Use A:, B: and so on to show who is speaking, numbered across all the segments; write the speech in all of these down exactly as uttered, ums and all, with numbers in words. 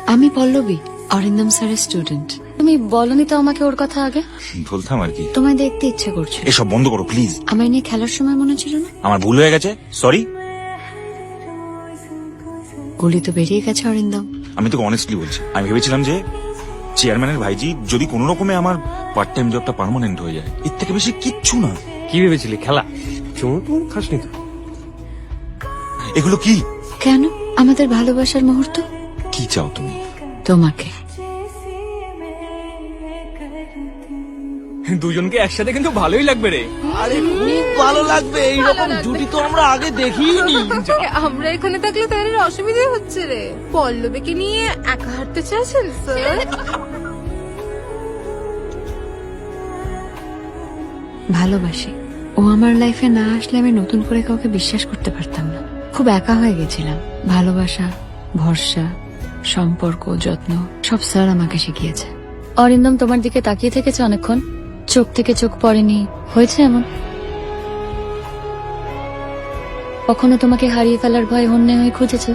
A: আমি পল্লবী, অরিন্দম স্যারের স্টুডেন্ট। তুমি বলনি তো আমাকে ওর কথা আগে?
B: বলতাম আর কি।
A: তোমায় দেখতে ইচ্ছে করছে।
B: এসব বন্ধ করো প্লিজ।
A: আমায় নিয়ে খেলার সময় মনে ছিল না?
B: আমার ভুল হয়ে গেছে, সরি।
A: গুলি তো বেরিয়ে গেছে অরিন্দম।
B: আমি তোকে অনেস্টলি বলছি, আমি ভেবেছিলাম যে চেয়ারম্যানের ভাইজি যদি কোনো রকমে আমার পার্ট টাইম জবটা পার্মানেন্ট হয়ে যায়, এর থেকে বেশি কিচ্ছু না।
C: কি ভেবেছিলি খেলা? চোর টুর খাসনি তো?
B: এগুলো কি?
A: কেন? আমাদের ভালোবাসার মুহূর্ত।
B: কি চাও তুমি?
A: তোমাকে।
C: দুজনকে একসাথে কিন্তু ভালোই লাগবে রে।
D: আরে খুব ভালো লাগবে, এইরকম জুটি তো আমরা আগে দেখিনি।
E: আমরা এখানে থাকলে তাদের অসুবিধা হচ্ছে রে। পল্লবীকে নিয়ে একা হাঁটতে চাইছেন স্যার?
A: ভালোবাসি। ও আমার লাইফে না আসলে আমি নতুন করে কাউকে বিশ্বাস করতে পারতাম না। খুব একা হয়ে গেছিলাম। ভালোবাসা, ভরসা, সম্পর্ক, যত্ন সব স্যার আমাকে শিখিয়েছে। অরিন্দম তোমার দিকে তাকিয়ে থেকেছে অনেকক্ষণ, চোখ থেকে চোখ পড়েনি। হয়েছে এমন? কখনো তোমাকে হারিয়ে ফেলার ভয় হন্যে হয়ে খুঁজেছে?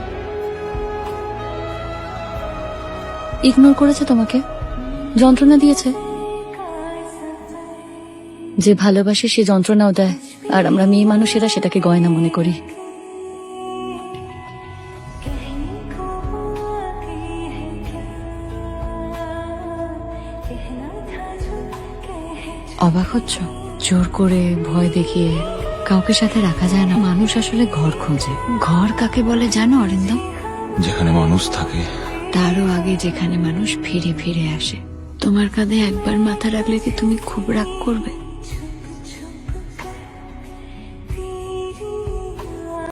A: ইগনোর করেছে তোমাকে? যন্ত্রণা দিয়েছে? যে ভালোবাসে সে যন্ত্রণাও দেয়, আর আমরা মেয়ে মানুষেরা সেটাকে গয়না মনে করি। অবাক হচ্ছ? জোর করে ভয় দেখিয়ে কাউকে সাথে রাখা যায় না। মানুষ আসলে ঘর খোঁজে। ঘর কাকে বলে জানো অরিন্দম?
B: যেখানে মানুষ থাকে,
A: তারও আগে যেখানে মানুষ ফিরে ফিরে আসে। তোমার কাঁধে একবার মাথা রাখলে কি তুমি খুব রাগ করবে?